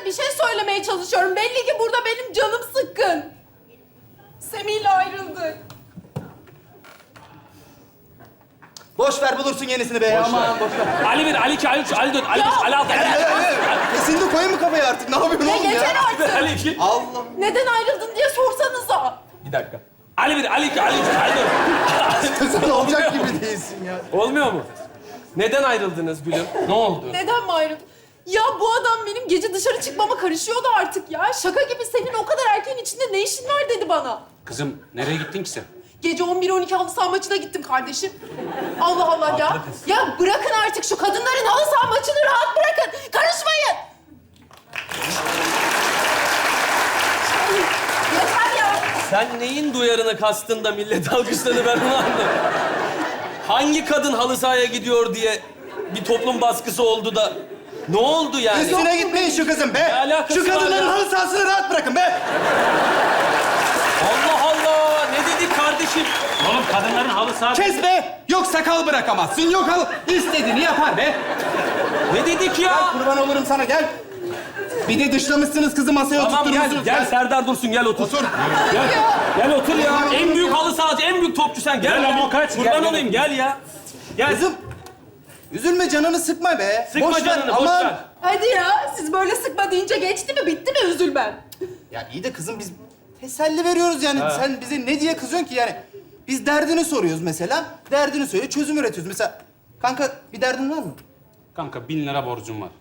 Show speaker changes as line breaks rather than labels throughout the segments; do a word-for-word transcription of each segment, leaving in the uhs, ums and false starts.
bir şey söylemeye çalışıyorum. Belli ki burada benim canım sıkkın. Semih'le ayrıldık.
Boş ver bulursun yenisini be. Aman boş ver.
Ali bir, Ali iki, Ali üç, Ali dört, Ali beş, Ali altı, Ali yedi.
Kesinlikle koyun mu kafaya artık? Ne yapıyorsun
Ne
oğlum
yeter
ya?
artık.
Ali iki.
Allah.
Neden ayrıldın diye sorsanıza.
Bir dakika. Ali bir, Ali iki, Ali üç, Ali dört.
Sen olacak gibi değilsin ya.
Olmuyor mu? Neden ayrıldınız gülüm? Ne oldu?
Neden mi ayrıldın? Ya bu adam benim gece dışarı çıkmama karışıyordu artık ya. Şaka gibi senin o kadar erkeğin içinde ne işin var dedi bana.
Kızım nereye gittin ki sen?
Gece on bir on iki halı saha maçına gittim kardeşim. Allah Allah ya. Ya bırakın artık şu kadınların halı saha maçını rahat bırakın. Karışmayın. Yeter ya.
Sen neyin duyarını kastın da millet alkışladı ben onu anladım. Hangi kadın halı sahaya gidiyor diye bir toplum baskısı oldu da ne oldu yani?
Üstüne gitmeyin şu kızım be.
Ne alakası
Şu kadınların
var ya?
halı sahasını rahat bırakın be.
Allah Allah! Ne dedik kardeşim?
Oğlum kadınların halı saha...
Kes be. Yok sakal bırakamazsın. Yok al. İstediğini yapar be.
Ne dedik ya?
Kurban olurum sana gel. Bir de dışlamışsınız kızı masaya
Tamam gel,
oturtturmuşsunuz.
gel Serdar Dursun gel otur.
Otur.
Gel, gel otur ya. En büyük halı sahacı, en büyük topçu sen. Gel,
Gel ama kaç,
Kurban
gel,
olayım gel ya. Gel.
Kızım. Üzülme canını sıkma be.
Sıkma
boş
canını,
ver.
boş
Aman.
ver.
Hadi ya. Siz böyle sıkma deyince geçti mi? Bitti mi üzülmem?
Ya iyi de kızım biz teselli veriyoruz yani. Sen bize ne diye kızıyorsun ki yani? Biz derdini soruyoruz mesela. Derdini söyle, çözüm üretiyoruz. Mesela kanka bir derdin var mı?
Kanka bin lira borcum var.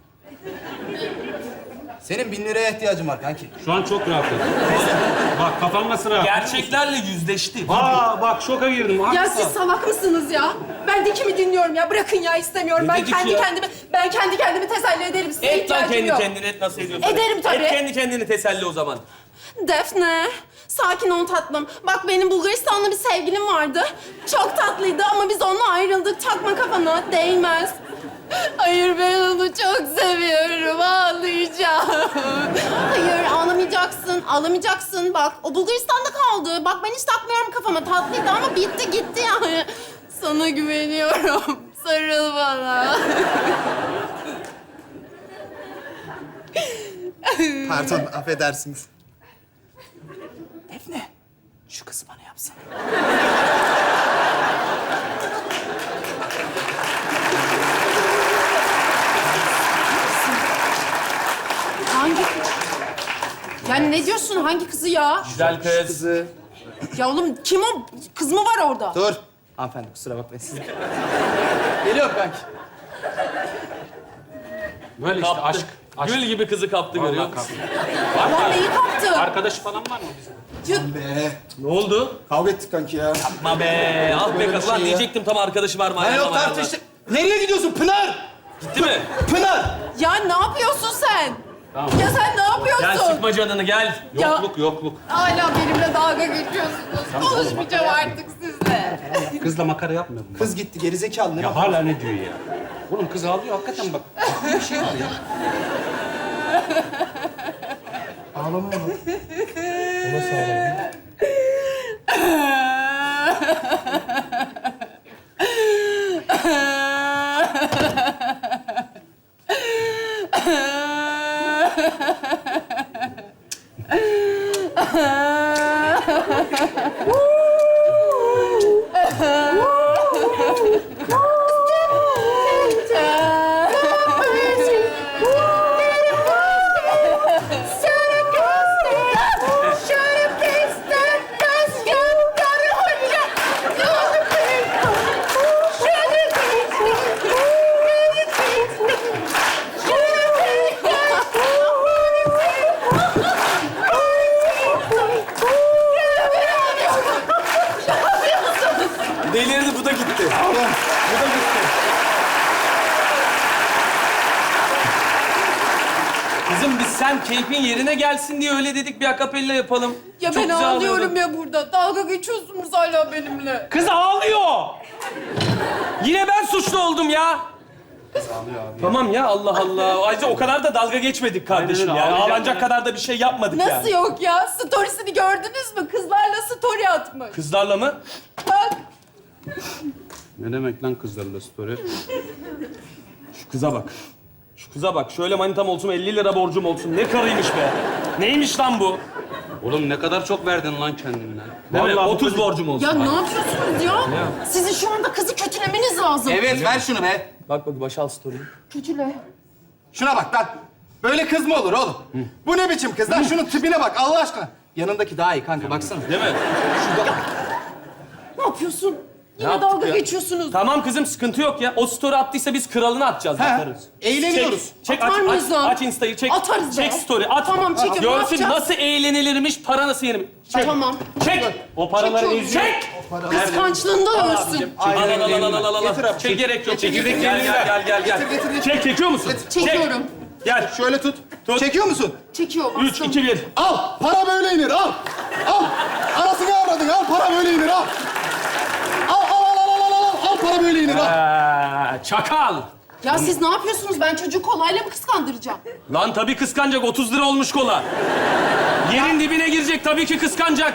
Senin bin liraya ihtiyacın var kanki.
Şu an çok rahatım. Bak kafam nasıl rahat?
Gerçeklerle yüzleşti.
Aa bak şoka girdim.
Ya
Haklısın.
siz salak mısınız ya? Ben de kimi dinliyorum ya? Bırakın ya istemiyorum.
Ne
Ben
dedik
kendi
ya?
kendimi ben kendi kendimi teselli ederim. Size
Et lan
ihtiyacım
kendi
yok.
kendine et nasıl ediyorsun?
Ederim tabii.
Et kendi kendini teselli o zaman.
Defne, sakin ol tatlım. Bak benim Bulgaristan'da bir sevgilim vardı. Çok tatlıydı ama biz onunla ayrıldık. Takma kafana, değmez. Hayır ben onu çok seviyorum, ağlayacağım. Hayır ağlamayacaksın, ağlamayacaksın. Bak o Bulgaristan'da kaldı. Bak ben hiç takmıyorum kafama. Tatlıydı ama bitti gitti yani. Sana güveniyorum. Sarıl bana.
Pardon, affedersiniz. Defne, şu kızı bana yapsana.
Hangi kız? Yani ne diyorsun? Hangi kızı ya?
Güzel kız.
Kızı.
Ya oğlum kim o? Kız mı var orada?
Dur. Hanımefendi kusura bakmayın siz. Geliyor kanki.
Böyle işte
Kaptı.
aşk. aşk.
Gül gibi kızı kaptı
Vallahi
görüyor musun?
kaptı. Var
Lan
mı?
neyi kaptı?
Arkadaşı falan var mı bizim?
Ya,
Be.
Ne oldu?
Kavga ettik kanki ya.
Ma be, ah be
Böyle bir
kız lan
şey ya.
diyecektim tam arkadaşı var mı?
Ha yok
ayarlama,
tartıştık. Nereye gidiyorsun Pınar?
Gitti mi?
Pınar!
ya ne yapıyorsun sen?
Tamam.
Ya sen ne yapıyorsun?
Gel sıkma canını gel.
Ya-
Yokluk yokluk.
Hala benimle dalga geçiyorsunuz. Konuşmayacağım artık sizle.
Kızla makara yapmıyorum ben.
Kız gitti gerizekalı ne
Ya
bak.
hala ne diyor ya? Oğlum kız ağlıyor hakikaten bak. Bir şey var ya.
Ağlama oğlum.
Delirdi bu da gitti. Bu da gitti. Kızım biz sen keyfin yerine gelsin diye öyle dedik bir akapella yapalım.
Ya
Çok
ben
güzel
ağlıyorum
oluyordu.
ya burada. Dalga geçiyorsunuz hala benimle.
Kız ağlıyor. Yine ben suçlu oldum ya. Tamam ya Allah Allah. Ayrıca o kadar da dalga geçmedik kardeşim
Aynen
ya.
öyle, ağlayacak
Ağlanacak
ya.
kadar da bir şey yapmadık yani.
Nasıl yok ya? Storiesini gördünüz mü? Kızlarla story atmış.
Kızlarla mı?
Bak.
Ne demek lan kızlarla story?
Şu kıza bak. Şu kıza bak. Şöyle manitam olsun, elli lira borcum olsun. Ne karıymış be. Neymiş lan bu?
Oğlum ne kadar çok verdin lan kendine.
Değil mi?
Vallahi bu
otuz
kız-
borcum olsun.
Ya ne yapıyorsunuz ya? Sizin şu anda kızı kötülemeniz lazım.
Evet ver şunu be.
Bak bak başal story'yi.
Kötüle.
Şuna bak lan. Böyle kız mı olur oğlum? Bu ne biçim kız lan? Şunun tipine bak Allah aşkına. Yanındaki daha iyi kanka baksana.
Değil mi?
Ne yapıyorsun? Yine
yaptık
dalga
ya?
geçiyorsunuz.
Tamam kızım sıkıntı yok ya. O story attıysa biz kralını atacağız.
Ha,
Bakarız.
eğleniyoruz.
Çek,
Atar
aç,
mıyız
aç,
lan?
aç Insta'yı çek.
Atarız
Çek
be.
story at.
Tamam, çekin, ne
Görsün
yapacağız?
nasıl eğlenilirmiş, para nasıl yenilmiş. Çek.
Tamam.
Çek.
O paraları
Çekiyorum.
eziyor.
Çek.
Kıskançlığında ölsün.
Al al al al al al al.
Getir abi.
Çek gerek yok.
Çekirdek
Gel gel gel gel gel.
Getir, getir, getir.
Çek çekiyor musun?
Çekiyorum.
Çek. Gel.
Şöyle tut.
Tut.
Çekiyor musun?
Çekiyor.
Üç,
bastım.
iki, bir.
Al. Para böyle inir. Al. Al. Arasını avradın. Al. Para böyle inir. Al. Al al al al al al. Al para böyle inir. Al.
Ee, çakal.
Ya siz ne yapıyorsunuz? Ben çocuğu kolayla mı kıskandıracağım?
Lan tabii kıskanacak. otuz lira olmuş kola. Yerin dibine girecek. Tabii ki kıskanacak.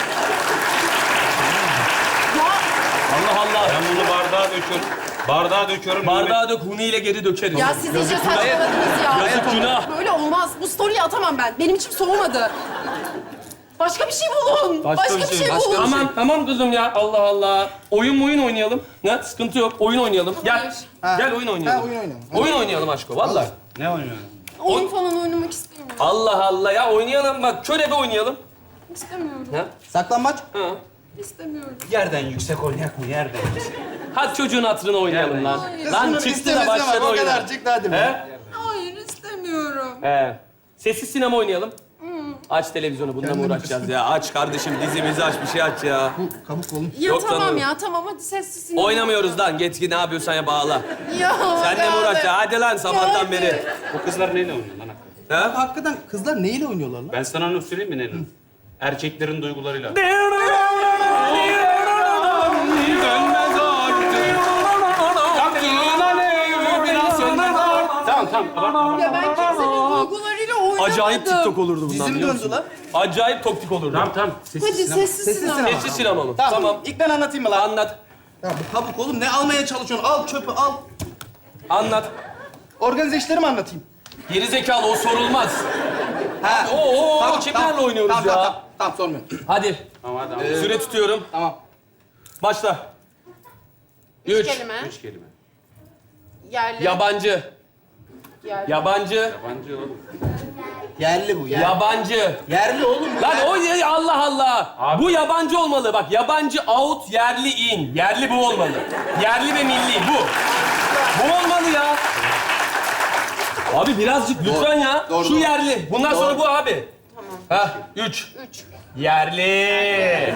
Ya
Allah Allah.
Ben bunu bardağa döküyorum. Bardağa döküyorum.
Bardağı dök, huniyle geri dökeriz.
Ya siz iyice saçmaladınız ya.
Yazık, günah.
Böyle olmaz. Bu story'i atamam ben. Benim içim soğumadı. Başka bir şey bulun. Başka, bir şey bulun.
Tamam, tamam kızım ya. Allah Allah. Oyun oyun oynayalım. Ne? Sıkıntı yok. Oyun oynayalım. Gel.
Ha.
Gel oyun oynayalım.
Ha, oyun oynayalım.
Oyun oynayalım aşko. Vallahi.
Ne oynuyorsun?
Oyun falan oynamak istemiyorum.
Allah Allah ya oynayalım bak. Körebe oynayalım.
İstemiyorum.
Ha?
Saklambaç.
Ha.
İstemiyorum.
Yerden yüksek oynayak mı? Yerden yüksek.
Hadi çocuğun hatırını oynayalım lan.
Hayır.
Lan
Şunun
çıktı da
istemesi
başladı
var, o
oyuna.
kadar çıktı, hadi be.
He?
Hayır istemiyorum.
He. Sessiz sinema oynayalım. Aç televizyonu. Bununla mı
Kendini
uğraşacağız ya? Aç kardeşim dizimizi aç bir şey aç ya.
Kabuk oğlum.
Ya
Yok
tamam
canım.
ya tamam hadi sessiz.
Oynamıyoruz lan. Git git ne yapıyorsan ya bağla.
Ya.
Sen de mi
hadi.
uğraşacaksın? Hadi lan sabahtan
hadi.
beri.
O kızlar neyle oynuyor lan hakikaten?
Ha?
Hakikaten kızlar neyle oynuyorlar lan?
Ben sana onu söyleyeyim mi Nenem? Erkeklerin duygularıyla. Tamam tamam. Abartma.
Ya ben kimsenin duygularıyla oynamadım.
Acayip TikTok olurdu bundan
Dizim
biliyor
döndü
musun?
lan.
Acayip toktik olurdu.
Tamam tamam. Sessiz
Hadi
sinema.
sessiz
Sessiz
sinema.
sinema.
Sessiz sinema mı?
Tamam.
Tamam.
İlk ben anlatayım mı lan?
Anlat.
Ya bu kabuk oğlum ne almaya çalışıyorsun? Al çöpü al.
Anlat.
Organize işleri mi anlatayım?
Geri zekalı o sorulmaz.
Ha.
Oo, oo, kimlerle oynuyoruz
tamam,
ya?
Tamam, tamam, tamam sormuyorum.
Hadi.
Tamam hadi.
Ee, Süre tutuyorum.
Tamam.
Başla.
Üç
Üç.
kelime.
Üç kelime.
Yerli.
Yabancı.
Yerli.
Yabancı.
Yabancı oğlum.
Yerli bu yerli.
Yabancı.
Yerli oğlum bu.
Lan
yerli.
o ya Allah Allah.
Abi.
Bu yabancı olmalı. Bak yabancı out, yerli in. Yerli bu olmalı. Yerli ve milli bu. Bu olmalı ya. Abi birazcık lütfen ya.
Doğru,
Şu
doğru.
yerli. Bundan
Doğru.
sonra bu abi. Tamam. Ha, üç.
Üç.
Yerli.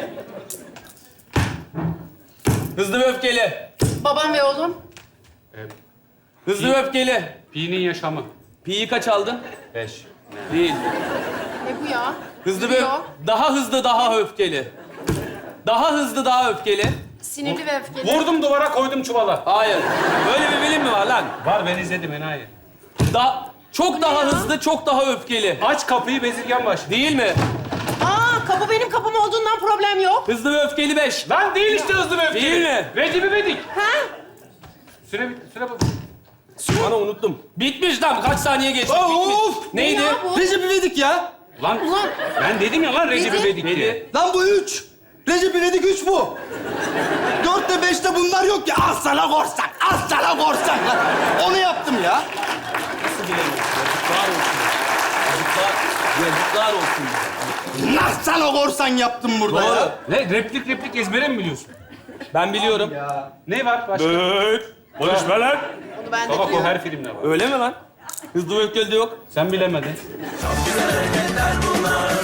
Hızlı ve öfkeli.
Babam ve oğlum.
Evet.
Hızlı ve öfkeli.
Pi'nin yaşamı.
Pi'yi kaç aldın?
Beş.
Değil.
Ne bu ya?
Hızlı ve
Yürüyor.
daha hızlı, daha öfkeli. Daha hızlı, daha öfkeli.
Sinirli ve öfkeli.
Vurdum duvara koydum çuvala.
Hayır. Böyle bir bilim mi var lan?
Var ben izledim enayi.
Da çok daha
ya?
hızlı, çok daha öfkeli.
Aç kapıyı bezirgen baş.
Değil mi?
Aa kapı benim kapım olduğundan problem yok.
Hızlı ve öfkeli beş.
Lan değil işte hızlı ve öfkeli.
Değil mi?
Recep İvedik.
Ha?
Süre bitti. Süre bak.
Bana unuttum. Bitmiş lan. Kaç saniye geçti?
Of!
Bitmiş. Neydi?
Ne ya bu?
Recep İvedik ya.
Lan
Ulan.
ben dedim ya lan Recep
Neydi?
İvedik diye.
Neydi?
Lan bu üç. Recep İvedik üç bu. Dörtte beşte bunlar yok ya. Az sana korsak, az sana korsak. Lan onu yaptım ya.
Nasıl bilemiyorsun? Yazıklar olsun. Yazıklar, yazıklar olsun.
Nasıl sana korsan yaptım burada
Doğru.
ya.
Ne replik replik ezbere mi biliyorsun?
Ben biliyorum.
Ne var başka?
Evet. Konuşma lan.
Onu ben de
Baba o
biliyorum.
her filmde var.
Öyle mi lan? Hızlı ve öfkeli de yok.
Sen bilemedin.
Çok güzel hareketler bunlar.